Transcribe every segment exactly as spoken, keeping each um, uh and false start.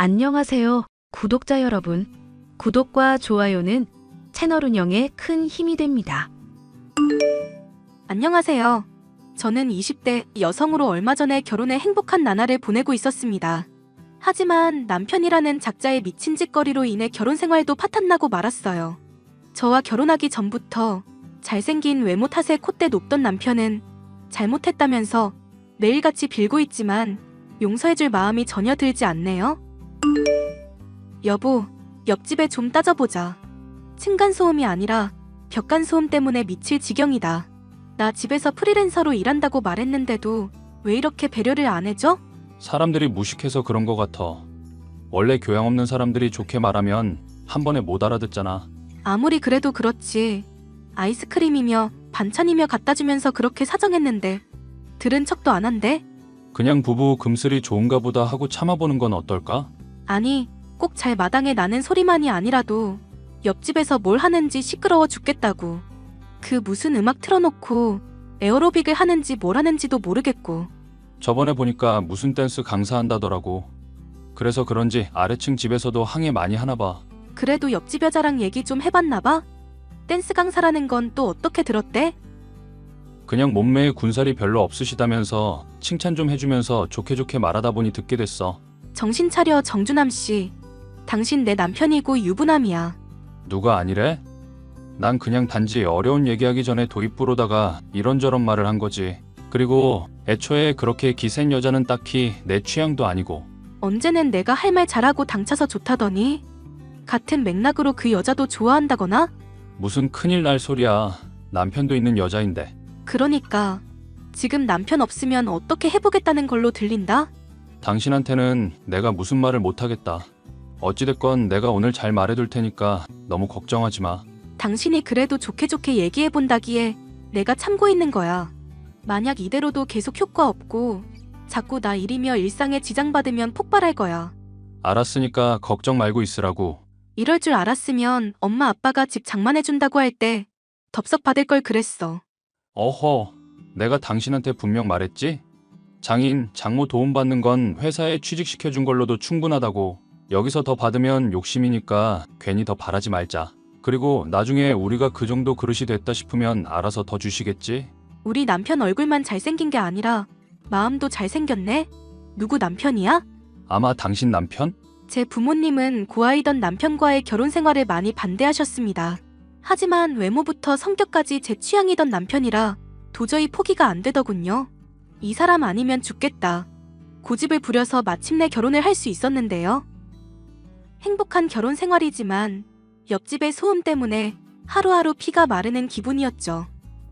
안녕하세요, 구독자 여러분. 구독과 좋아요는 채널 운영에 큰 힘이 됩니다. 안녕하세요. 저는 이십 대 여성으로 얼마 전에 결혼해 행복한 나날을 보내고 있었습니다. 하지만 남편이라는 작자의 미친 짓거리로 인해 결혼 생활도 파탄나고 말았어요. 저와 결혼하기 전부터 잘생긴 외모 탓에 콧대 높던 남편은 잘못했다면서 매일같이 빌고 있지만 용서해줄 마음이 전혀 들지 않네요. 여보, 옆집에 좀 따져보자. 층간소음이 아니라 벽간소음 때문에 미칠 지경이다. 나 집에서 프리랜서로 일한다고 말했는데도 왜 이렇게 배려를 안 해줘? 사람들이 무식해서 그런 것 같아. 원래 교양 없는 사람들이 좋게 말하면 한 번에 못 알아듣잖아. 아무리 그래도 그렇지. 아이스크림이며 반찬이며 갖다 주면서 그렇게 사정했는데 들은 척도 안 한대? 그냥 부부 금슬이 좋은가 보다 하고 참아보는 건 어떨까? 아니, 꼭 잘 마당에 나는 소리만이 아니라도 옆집에서 뭘 하는지 시끄러워 죽겠다고. 그 무슨 음악 틀어놓고 에어로빅을 하는지 뭘 하는지도 모르겠고. 저번에 보니까 무슨 댄스 강사한다더라고. 그래서 그런지 아래층 집에서도 항해 많이 하나 봐. 그래도 옆집 여자랑 얘기 좀 해봤나 봐? 댄스 강사라는 건 또 어떻게 들었대? 그냥 몸매에 군살이 별로 없으시다면서 칭찬 좀 해주면서 좋게 좋게 말하다 보니 듣게 됐어. 정신 차려, 정준함 씨. 당신 내 남편이고 유부남이야. 누가 아니래? 난 그냥 단지 어려운 얘기하기 전에 도입부로다가 이런저런 말을 한 거지. 그리고 애초에 그렇게 기센 여자는 딱히 내 취향도 아니고. 언제는 내가 할 말 잘하고 당차서 좋다더니 같은 맥락으로 그 여자도 좋아한다거나? 무슨 큰일 날 소리야. 남편도 있는 여자인데. 그러니까 지금 남편 없으면 어떻게 해보겠다는 걸로 들린다? 당신한테는 내가 무슨 말을 못하겠다. 어찌됐건 내가 오늘 잘 말해둘 테니까 너무 걱정하지 마. 당신이 그래도 좋게 좋게 얘기해본다기에 내가 참고 있는 거야. 만약 이대로도 계속 효과 없고 자꾸 나 일이며 일상에 지장받으면 폭발할 거야. 알았으니까 걱정 말고 있으라고. 이럴 줄 알았으면 엄마 아빠가 집 장만해준다고 할 때 덥석 받을 걸 그랬어. 어허, 내가 당신한테 분명 말했지? 장인, 장모 도움받는 건 회사에 취직시켜준 걸로도 충분하다고. 여기서 더 받으면 욕심이니까 괜히 더 바라지 말자. 그리고 나중에 우리가 그 정도 그릇이 됐다 싶으면 알아서 더 주시겠지? 우리 남편 얼굴만 잘생긴 게 아니라 마음도 잘생겼네? 누구 남편이야? 아마 당신 남편? 제 부모님은 고아이던 남편과의 결혼 생활을 많이 반대하셨습니다. 하지만 외모부터 성격까지 제 취향이던 남편이라 도저히 포기가 안 되더군요. 이 사람 아니면 죽겠다. 고집을 부려서 마침내 결혼을 할 수 있었는데요. 행복한 결혼 생활이지만 옆집의 소음 때문에 하루하루 피가 마르는 기분이었죠.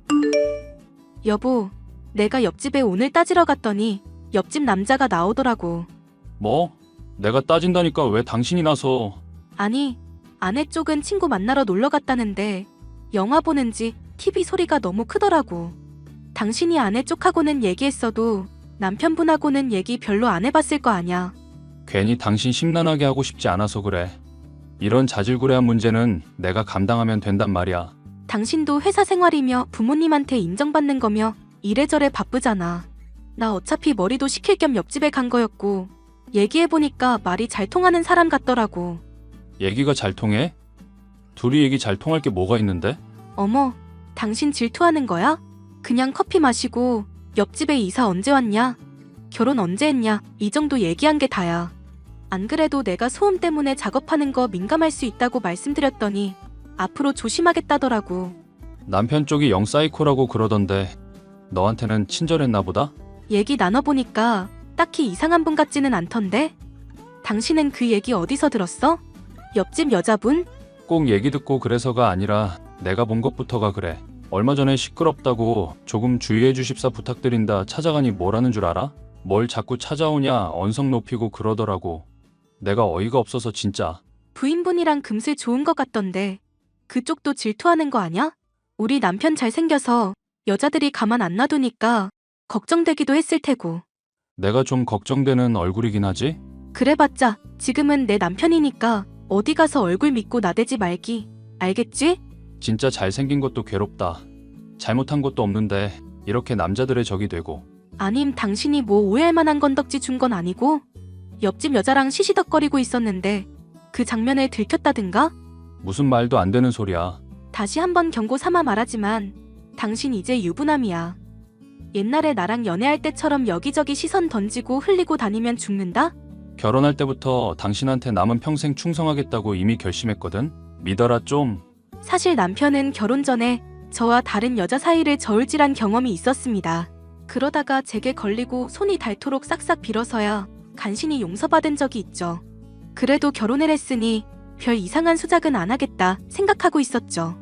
여보, 내가 옆집에 오늘 따지러 갔더니 옆집 남자가 나오더라고. 뭐? 내가 따진다니까 왜 당신이 나서. 아니, 아내 쪽은 친구 만나러 놀러 갔다는데 영화 보는지 티비 소리가 너무 크더라고. 당신이 아내 쪽하고는 얘기했어도 남편분하고는 얘기 별로 안 해봤을 거 아냐. 괜히 당신 심란하게 하고 싶지 않아서 그래. 이런 자질구레한 문제는 내가 감당하면 된단 말이야. 당신도 회사 생활이며 부모님한테 인정받는 거며 이래저래 바쁘잖아. 나 어차피 머리도 식힐 겸 옆집에 간 거였고 얘기해보니까 말이 잘 통하는 사람 같더라고. 얘기가 잘 통해? 둘이 얘기 잘 통할 게 뭐가 있는데? 어머, 당신 질투하는 거야? 그냥 커피 마시고 옆집에 이사 언제 왔냐? 결혼 언제 했냐? 이 정도 얘기한 게 다야. 안 그래도 내가 소음 때문에 작업하는 거 민감할 수 있다고 말씀드렸더니 앞으로 조심하겠다더라고. 남편 쪽이 영 사이코라고 그러던데 너한테는 친절했나 보다? 얘기 나눠보니까 딱히 이상한 분 같지는 않던데? 당신은 그 얘기 어디서 들었어? 옆집 여자분? 꼭 얘기 듣고 그래서가 아니라 내가 본 것부터가 그래. 얼마 전에 시끄럽다고 조금 주의해 주십사 부탁드린다 찾아가니 뭐라는 줄 알아? 뭘 자꾸 찾아오냐 언성 높이고 그러더라고. 내가 어이가 없어서 진짜. 부인분이랑 금슬 좋은 것 같던데 그쪽도 질투하는 거 아냐? 우리 남편 잘생겨서 여자들이 가만 안 놔두니까 걱정되기도 했을 테고. 내가 좀 걱정되는 얼굴이긴 하지? 그래봤자 지금은 내 남편이니까 어디 가서 얼굴 믿고 나대지 말기. 알겠지? 진짜 잘생긴 것도 괴롭다. 잘못한 것도 없는데 이렇게 남자들의 적이 되고. 아님 당신이 뭐 오해할 만한 건덕지 준 건 아니고? 옆집 여자랑 시시덕거리고 있었는데 그 장면을 들켰다든가? 무슨 말도 안 되는 소리야. 다시 한번 경고 삼아 말하지만 당신 이제 유부남이야. 옛날에 나랑 연애할 때처럼 여기저기 시선 던지고 흘리고 다니면 죽는다? 결혼할 때부터 당신한테 남은 평생 충성하겠다고 이미 결심했거든. 믿어라 좀. 사실 남편은 결혼 전에 저와 다른 여자 사이를 저울질한 경험이 있었습니다. 그러다가 제게 걸리고 손이 닳도록 싹싹 빌어서야 간신히 용서받은 적이 있죠. 그래도 결혼을 했으니 별 이상한 수작은 안 하겠다 생각하고 있었죠.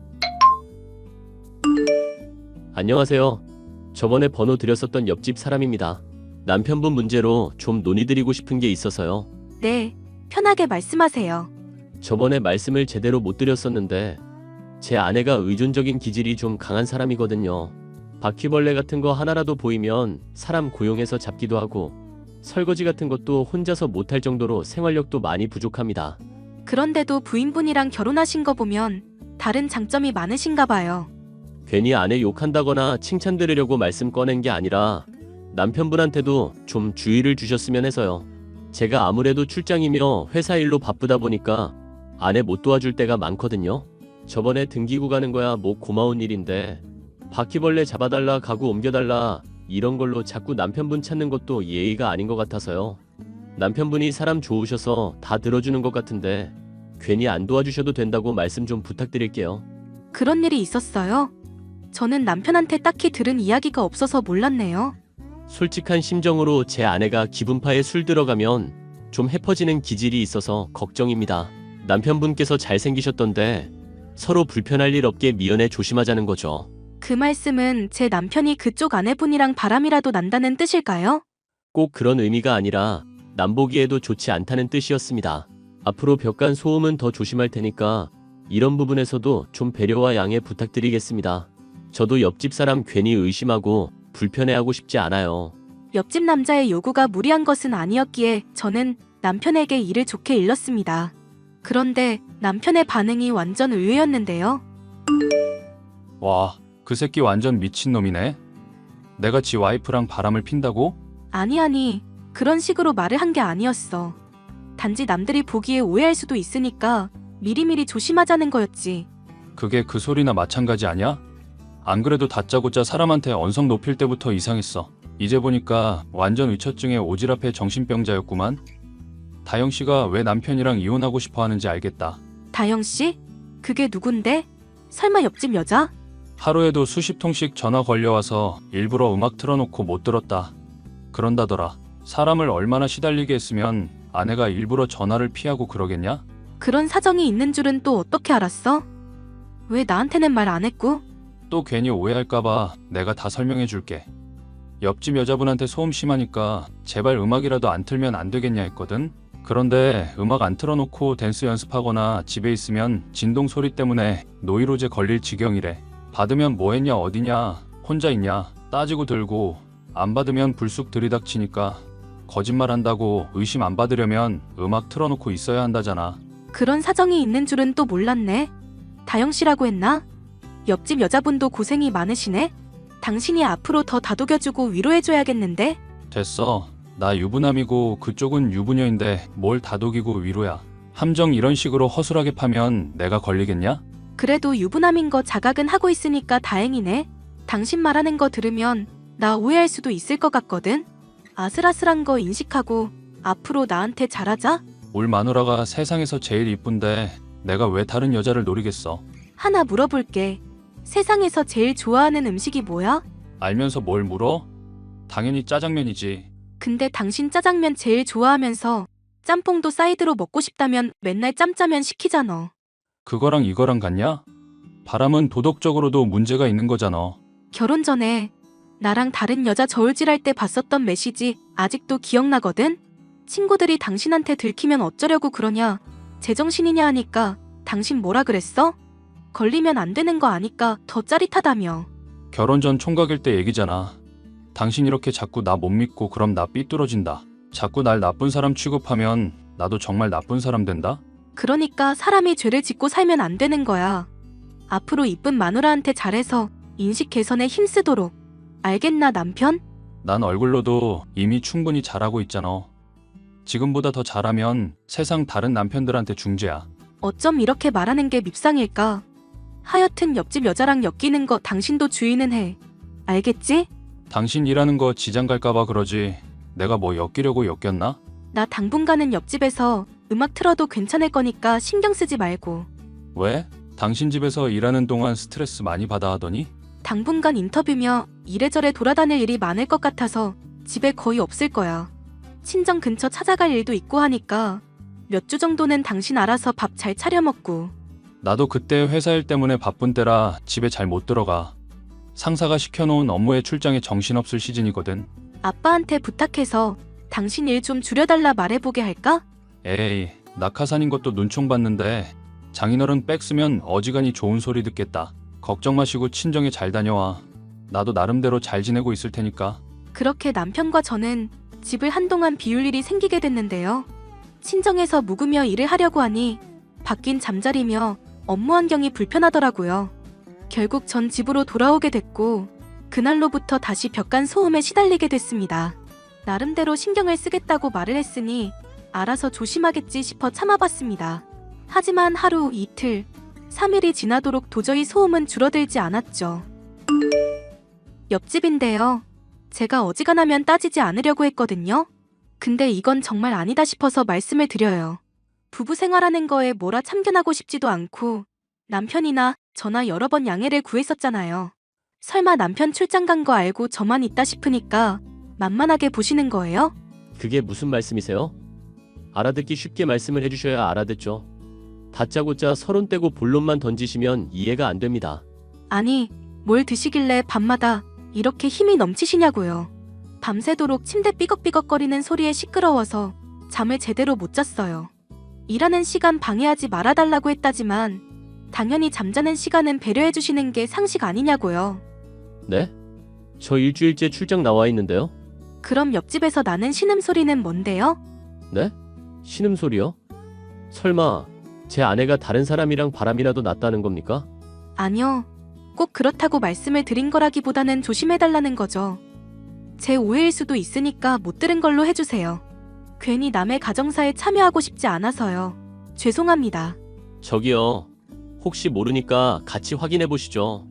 안녕하세요. 저번에 번호 드렸었던 옆집 사람입니다. 남편분 문제로 좀 논의드리고 싶은 게 있어서요. 네, 편하게 말씀하세요. 저번에 말씀을 제대로 못 드렸었는데 제 아내가 의존적인 기질이 좀 강한 사람이거든요. 바퀴벌레 같은 거 하나라도 보이면 사람 고용해서 잡기도 하고 설거지 같은 것도 혼자서 못할 정도로 생활력도 많이 부족합니다. 그런데도 부인분이랑 결혼하신 거 보면 다른 장점이 많으신가 봐요. 괜히 아내 욕한다거나 칭찬 들으려고 말씀 꺼낸 게 아니라 남편분한테도 좀 주의를 주셨으면 해서요. 제가 아무래도 출장이며 회사 일로 바쁘다 보니까 아내 못 도와줄 때가 많거든요. 저번에 등기구 가는 거야 뭐 고마운 일인데 바퀴벌레 잡아달라 가구 옮겨달라 이런 걸로 자꾸 남편분 찾는 것도 예의가 아닌 것 같아서요. 남편분이 사람 좋으셔서 다 들어주는 것 같은데 괜히 안 도와주셔도 된다고 말씀 좀 부탁드릴게요. 그런 일이 있었어요? 저는 남편한테 딱히 들은 이야기가 없어서 몰랐네요. 솔직한 심정으로 제 아내가 기분파에 술 들어가면 좀 해퍼지는 기질이 있어서 걱정입니다. 남편분께서 잘생기셨던데 서로 불편할 일 없게 미연에 조심하자는 거죠. 그 말씀은 제 남편이 그쪽 아내분이랑 바람이라도 난다는 뜻일까요? 꼭 그런 의미가 아니라 남보기에도 좋지 않다는 뜻이었습니다. 앞으로 벽간 소음은 더 조심할 테니까 이런 부분에서도 좀 배려와 양해 부탁드리겠습니다. 저도 옆집 사람 괜히 의심하고 불편해하고 싶지 않아요. 옆집 남자의 요구가 무리한 것은 아니었기에 저는 남편에게 일을 좋게 일렀습니다. 그런데 남편의 반응이 완전 의외였는데요. 와, 그 새끼 완전 미친놈이네. 내가 지 와이프랑 바람을 핀다고? 아니 아니, 그런 식으로 말을 한 게 아니었어. 단지 남들이 보기에 오해할 수도 있으니까 미리미리 조심하자는 거였지. 그게 그 소리나 마찬가지 아냐? 안 그래도 다짜고짜 사람한테 언성 높일 때부터 이상했어. 이제 보니까 완전 의처증에 오지랖해 정신병자였구만. 다영씨가 왜 남편이랑 이혼하고 싶어 하는지 알겠다. 다영씨? 그게 누군데? 설마 옆집 여자? 하루에도 수십 통씩 전화 걸려와서 일부러 음악 틀어놓고 못 들었다. 그런다더라. 사람을 얼마나 시달리게 했으면 아내가 일부러 전화를 피하고 그러겠냐? 그런 사정이 있는 줄은 또 어떻게 알았어? 왜 나한테는 말 안 했고? 또 괜히 오해할까봐 내가 다 설명해줄게. 옆집 여자분한테 소음 심하니까 제발 음악이라도 안 틀면 안 되겠냐 했거든. 그런데 음악 안 틀어놓고 댄스 연습하거나 집에 있으면 진동 소리 때문에 노이로제 걸릴 지경이래. 받으면 뭐 했냐 어디냐 혼자 있냐 따지고 들고 안 받으면 불쑥 들이닥치니까 거짓말한다고 의심 안 받으려면 음악 틀어놓고 있어야 한다잖아. 그런 사정이 있는 줄은 또 몰랐네. 다영씨라고 했나? 옆집 여자분도 고생이 많으시네? 당신이 앞으로 더 다독여주고 위로해줘야겠는데? 됐어. 나 유부남이고 그쪽은 유부녀인데 뭘 다독이고 위로야. 함정 이런 식으로 허술하게 파면 내가 걸리겠냐? 그래도 유부남인 거 자각은 하고 있으니까 다행이네. 당신 말하는 거 들으면 나 오해할 수도 있을 것 같거든? 아슬아슬한 거 인식하고 앞으로 나한테 잘하자? 울 마누라가 세상에서 제일 이쁜데 내가 왜 다른 여자를 노리겠어? 하나 물어볼게. 세상에서 제일 좋아하는 음식이 뭐야? 알면서 뭘 물어? 당연히 짜장면이지. 근데 당신 짜장면 제일 좋아하면서 짬뽕도 사이드로 먹고 싶다면 맨날 짬짜면 시키잖아. 그거랑 이거랑 같냐? 바람은 도덕적으로도 문제가 있는 거잖아. 결혼 전에 나랑 다른 여자 저울질할 때 봤었던 메시지 아직도 기억나거든? 친구들이 당신한테 들키면 어쩌려고 그러냐, 제정신이냐 하니까 당신 뭐라 그랬어? 걸리면 안 되는 거 아니까 더 짜릿하다며. 결혼 전 총각일 때 얘기잖아. 당신 이렇게 자꾸 나 못 믿고 그럼 나 삐뚤어진다. 자꾸 날 나쁜 사람 취급하면 나도 정말 나쁜 사람 된다? 그러니까 사람이 죄를 짓고 살면 안 되는 거야. 앞으로 이쁜 마누라한테 잘해서 인식 개선에 힘쓰도록. 알겠나 남편? 난 얼굴로도 이미 충분히 잘하고 있잖아. 지금보다 더 잘하면 세상 다른 남편들한테 중재야. 어쩜 이렇게 말하는 게 밉상일까? 하여튼 옆집 여자랑 엮이는 거 당신도 주의는 해. 알겠지? 당신 일하는 거 지장 갈까봐 그러지. 내가 뭐 엮이려고 엮였나? 나 당분간은 옆집에서 음악 틀어도 괜찮을 거니까 신경 쓰지 말고. 왜? 당신 집에서 일하는 동안 스트레스 많이 받아 하더니? 당분간 인터뷰며 이래저래 돌아다닐 일이 많을 것 같아서 집에 거의 없을 거야. 친정 근처 찾아갈 일도 있고 하니까 몇 주 정도는 당신 알아서 밥 잘 차려 먹고. 나도 그때 회사 일 때문에 바쁜 때라 집에 잘 못 들어가. 상사가 시켜놓은 업무에 출장에 정신없을 시즌이거든. 아빠한테 부탁해서 당신 일 좀 줄여달라 말해보게 할까? 에이, 낙하산인 것도 눈총 봤는데 장인어른 백 쓰면 어지간히 좋은 소리 듣겠다. 걱정 마시고 친정에 잘 다녀와. 나도 나름대로 잘 지내고 있을 테니까. 그렇게 남편과 저는 집을 한동안 비울 일이 생기게 됐는데요. 친정에서 묵으며 일을 하려고 하니 바뀐 잠자리며 업무 환경이 불편하더라고요. 결국 전 집으로 돌아오게 됐고 그날로부터 다시 벽간 소음에 시달리게 됐습니다. 나름대로 신경을 쓰겠다고 말을 했으니 알아서 조심하겠지 싶어 참아봤습니다. 하지만 하루, 이틀, 삼 일이 지나도록 도저히 소음은 줄어들지 않았죠. 옆집인데요. 제가 어지간하면 따지지 않으려고 했거든요. 근데 이건 정말 아니다 싶어서 말씀을 드려요. 부부 생활하는 거에 뭐라 참견하고 싶지도 않고 남편이나 저나 여러 번 양해를 구했었잖아요. 설마 남편 출장 간 거 알고 저만 있다 싶으니까 만만하게 보시는 거예요? 그게 무슨 말씀이세요? 알아듣기 쉽게 말씀을 해주셔야 알아듣죠. 다짜고짜 서론 떼고 본론만 던지시면 이해가 안 됩니다. 아니, 뭘 드시길래 밤마다 이렇게 힘이 넘치시냐고요. 밤새도록 침대 삐걱삐걱거리는 소리에 시끄러워서 잠을 제대로 못 잤어요. 일하는 시간 방해하지 말아달라고 했다지만 당연히 잠자는 시간은 배려해주시는 게 상식 아니냐고요. 네? 저 일주일째 출장 나와 있는데요? 그럼 옆집에서 나는 신음소리는 뭔데요? 네? 신음소리요? 설마 제 아내가 다른 사람이랑 바람이라도 났다는 겁니까? 아니요. 꼭 그렇다고 말씀을 드린 거라기보다는 조심해달라는 거죠. 제 오해일 수도 있으니까 못 들은 걸로 해주세요. 괜히 남의 가정사에 참여하고 싶지 않아서요. 죄송합니다. 저기요. 혹시 모르니까 같이 확인해 보시죠.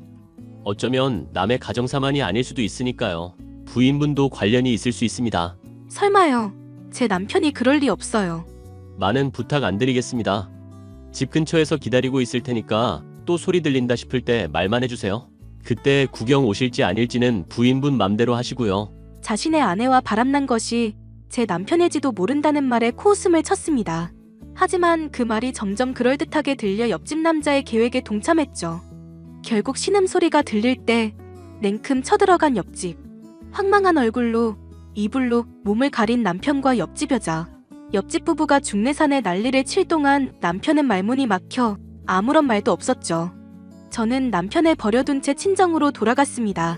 어쩌면 남의 가정사만이 아닐 수도 있으니까요. 부인분도 관련이 있을 수 있습니다. 설마요. 제 남편이 그럴 리 없어요. 많은 부탁 안 드리겠습니다. 집 근처에서 기다리고 있을 테니까 또 소리 들린다 싶을 때 말만 해주세요. 그때 구경 오실지 아닐지는 부인분 맘대로 하시고요. 자신의 아내와 바람난 것이 제 남편일지도 모른다는 말에 코웃음을 쳤습니다. 하지만 그 말이 점점 그럴듯하게 들려 옆집 남자의 계획에 동참했죠. 결국 신음소리가 들릴 때 냉큼 쳐들어간 옆집. 황망한 얼굴로 이불로 몸을 가린 남편과 옆집 여자. 옆집 부부가 중내산에 난리를 칠 동안 남편은 말문이 막혀 아무런 말도 없었죠. 저는 남편을 버려둔 채 친정으로 돌아갔습니다.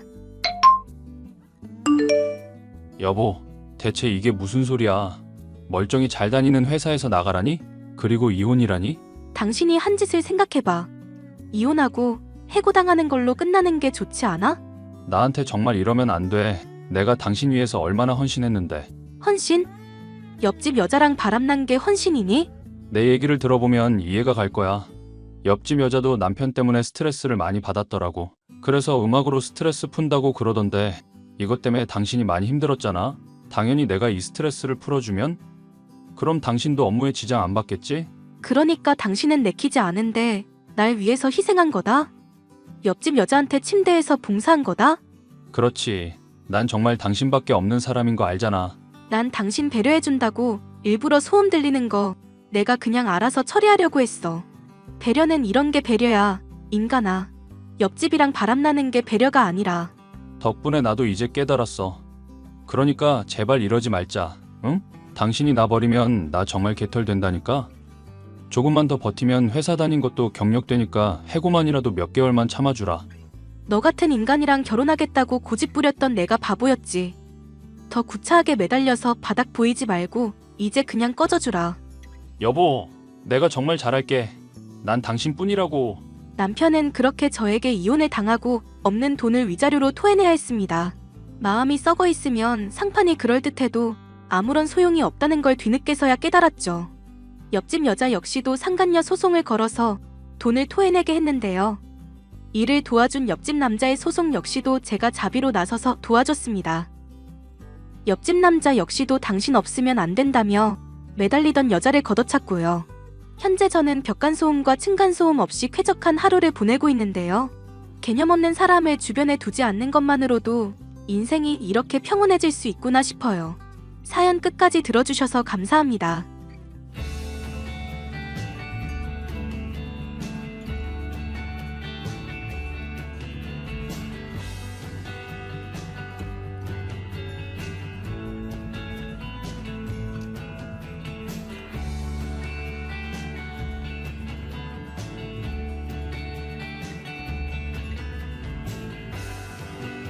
여보, 대체 이게 무슨 소리야? 멀쩡히 잘 다니는 회사에서 나가라니? 그리고 이혼이라니? 당신이 한 짓을 생각해봐. 이혼하고 해고당하는 걸로 끝나는 게 좋지 않아? 나한테 정말 이러면 안 돼. 내가 당신 위해서 얼마나 헌신했는데. 헌신? 옆집 여자랑 바람난 게 헌신이니? 내 얘기를 들어보면 이해가 갈 거야. 옆집 여자도 남편 때문에 스트레스를 많이 받았더라고. 그래서 음악으로 스트레스 푼다고 그러던데 이것 때문에 당신이 많이 힘들었잖아. 당연히 내가 이 스트레스를 풀어주면 그럼 당신도 업무에 지장 안 받겠지? 그러니까 당신은 내키지 않은데 날 위해서 희생한 거다? 옆집 여자한테 침대에서 봉사한 거다? 그렇지. 난 정말 당신밖에 없는 사람인 거 알잖아. 난 당신 배려해준다고 일부러 소음 들리는 거 내가 그냥 알아서 처리하려고 했어. 배려는 이런 게 배려야, 인간아. 옆집이랑 바람나는 게 배려가 아니라. 덕분에 나도 이제 깨달았어. 그러니까 제발 이러지 말자. 응? 당신이 나 버리면 나 정말 개털된다니까. 조금만 더 버티면 회사 다닌 것도 경력되니까 해고만이라도 몇 개월만 참아주라. 너 같은 인간이랑 결혼하겠다고 고집 부렸던 내가 바보였지. 더 구차하게 매달려서 바닥 보이지 말고 이제 그냥 꺼져주라. 여보, 내가 정말 잘할게. 난 당신뿐이라고. 남편은 그렇게 저에게 이혼을 당하고 없는 돈을 위자료로 토해내야 했습니다. 마음이 썩어 있으면 상판이 그럴듯해도 아무런 소용이 없다는 걸 뒤늦게서야 깨달았죠. 옆집 여자 역시도 상간녀 소송을 걸어서 돈을 토해내게 했는데요. 이를 도와준 옆집 남자의 소송 역시도 제가 자비로 나서서 도와줬습니다. 옆집 남자 역시도 당신 없으면 안 된다며 매달리던 여자를 걷어찼고요. 현재 저는 벽간소음과 층간소음 없이 쾌적한 하루를 보내고 있는데요. 개념 없는 사람을 주변에 두지 않는 것만으로도 인생이 이렇게 평온해질 수 있구나 싶어요. 사연 끝까지 들어주셔서 감사합니다.